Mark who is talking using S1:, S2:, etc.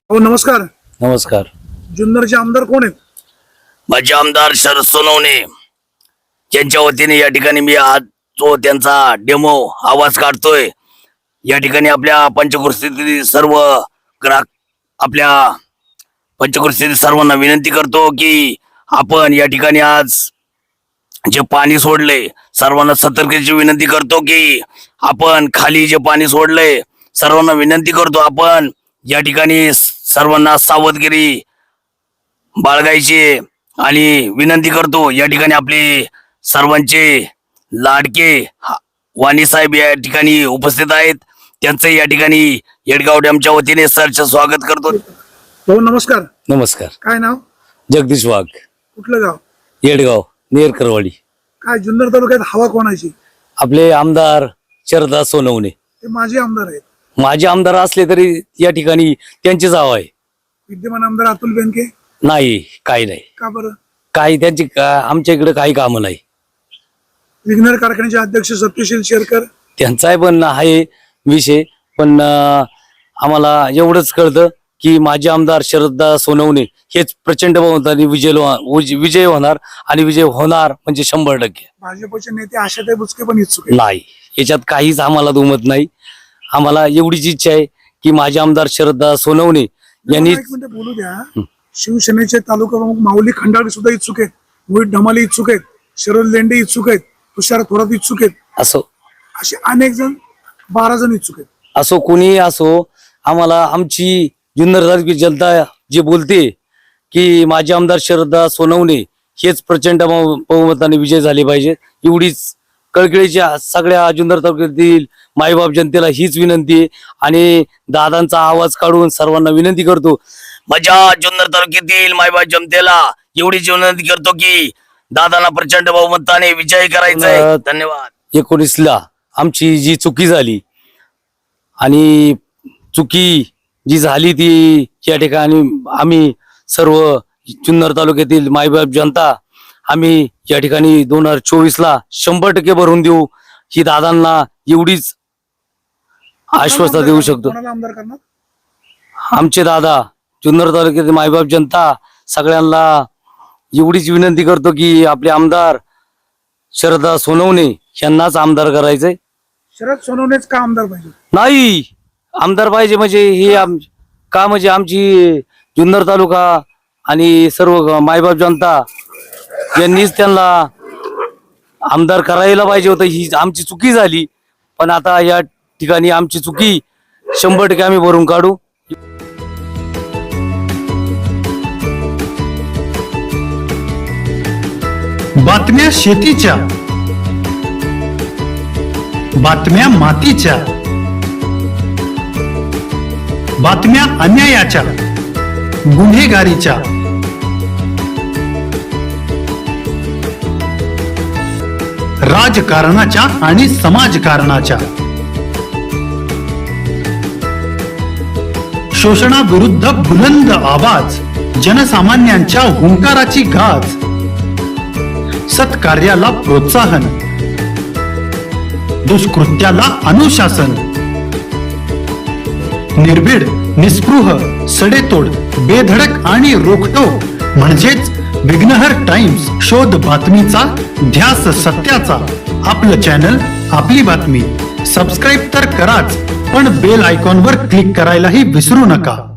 S1: हो नमस्कार.
S2: नमस्कार.
S1: जुन्नरचे आमदार कोण आहेत?
S3: माझे आमदार शरद सोनवणे यांच्या वतीने या ठिकाणी मी आज तो त्यांचा डेमो आवाज काढतोय. या ठिकाणी आपल्या पंचकृषीतील सर्व ग्राहक आपल्या पंचकृषीतील सर्वांना विनंती करतो की आपण या ठिकाणी आज जे पाणी सोडले सर्वांना सतर्कतेची विनंती करतो की आपण खाली जे पाणी सोडले सर्वांना विनंती करतो आपण या ठिकाणी सर्वांना सावधगिरी बाळगायची आणि विनंती करतो. या ठिकाणी आपले सर्वांचे लाडके वाणी साहेब या ठिकाणी उपस्थित आहेत. त्यांचं या ठिकाणी येडगाव डॅमच्या वतीने सरचं स्वागत करतो.
S1: हो नमस्कार.
S2: नमस्कार.
S1: काय नाव?
S2: जगदीश वाघ,
S1: कुठलं गाव?
S2: येडगाव, नेरकरवाडी.
S1: काय जुन्नर तालुक्यात हवा कोणाची?
S2: आपले आमदार शरदा सोनवणे.
S1: ते माझे आमदार आहेत.
S2: माझे आमदार असले तरी या ठिकाणी त्यांचीच हवा आहे.
S1: विद्यमान आमदार अतुल बेनके
S2: नाही, काही नाही.
S1: का बरं?
S2: काही त्यांची आमच्या इकडे काही कामं नाही.
S1: विघ्नर कारखान्याचे अध्यक्ष सत्यशील शेरकर
S2: त्यांचाही पण आहे विषय, पण आम्हाला एवढंच कळतं की माझे आमदार शरदा सोनवणे हेच प्रचंड बहुमताने विजय होणार आणि विजय होणार म्हणजे 100%.
S1: भाजपचे नेते आशाताई बुचके पण इच्छुक आहेत.
S2: नाही, याच्यात काहीच आम्हाला दुमत नाही. आम्हाला एवढीच इच्छा आहे की माझे आमदार शरदा सोनवणे यांनी.
S1: एक मिनिट बोलू द्या. शिवसेनेचे तालुका प्रमुख माऊली खंडागळे सुद्धा इच्छुक आहेत. मोहित ढमाले इच्छुक आहेत. शरद लेंडे इच्छुक आहेत. तुषार थोरात इच्छुक आहेत.
S2: असो
S1: असे अनेक जण 12 जण इच्छुक आहेत.
S2: असो कोणी असो, आम्हाला आमची जुन्नर तालुक्याची जनता जे बोलते की माझे आमदार शरदा सोनवणे हेच प्रचंड बहुमताने विजय झाले पाहिजे, एवढीच कळकळीच्या सगळ्या जुन्नर तालुक्यातील मायबाप जनतेला हीच विनंती आहे. आणि दादांचा आवाज काढून सर्वांना विनंती करतो.
S3: माझ्या जुन्नर तालुक्यातील मायबाप जनतेला एवढीच विनंती करतो की दादांना प्रचंड बहुमताने विजय करायचा आहे. धन्यवाद.
S2: 19ला आमची जी चुकी झाली आणि चुकी जी झाली ती या ठिकाणी आम्ही सर्व जुन्नर तालुक्यातील मायबाप जनता आम्ही या ठिकाणी 2024ला 100% भरून देऊ, ही दादांना एवढीच आश्वासन देऊ शकतो.
S1: कोणाला आमदार करणार?
S2: आमचे दादा जुन्नर तालुक्यातील मायबाप जनता सगळ्यांना एवढीच विनंती करतो की आपले आमदार शरदा सोनवणे यांनाच आमदार करायचंय.
S1: शरद सोनवणेच का आमदार पाहिजे?
S2: नाही, आमदार पाहिजे म्हणजे हे का म्हणजे आमची जुन्नर तालुका आणि सर्व मायबाप जनता यांनीच त्यांना आमदार करायला पाहिजे होतं. ही आमची चुकी झाली, पण आता या ठिकाणी आमची चुकी 100% आम्ही भरून काढू.
S4: बातम्या शेतीच्या, बातम्या मातीच्या, बातम्या अन्यायाच्या, गुन्हेगारीच्या, राजकारणाच्या आणि समाजकारणाच्या, शोषणाविरुद्ध बुलंद आवाज, जनसामान्यांच्या हुंकाराची गाज, सत्कार्याला प्रोत्साहन, दुष्कृत्याला अनुशासन, निर्भीड, निस्पृह, सडेतोड, बेधडक आणि रोखठोक म्हणजेच विघ्नहर टाइम्स. शोध बातमीचा, ध्यास सत्याचा. आपलं चॅनल, आपली बातमी. सबस्क्राईब तर कराच, पण बेल आयकॉनवर क्लिक करायलाही विसरू नका.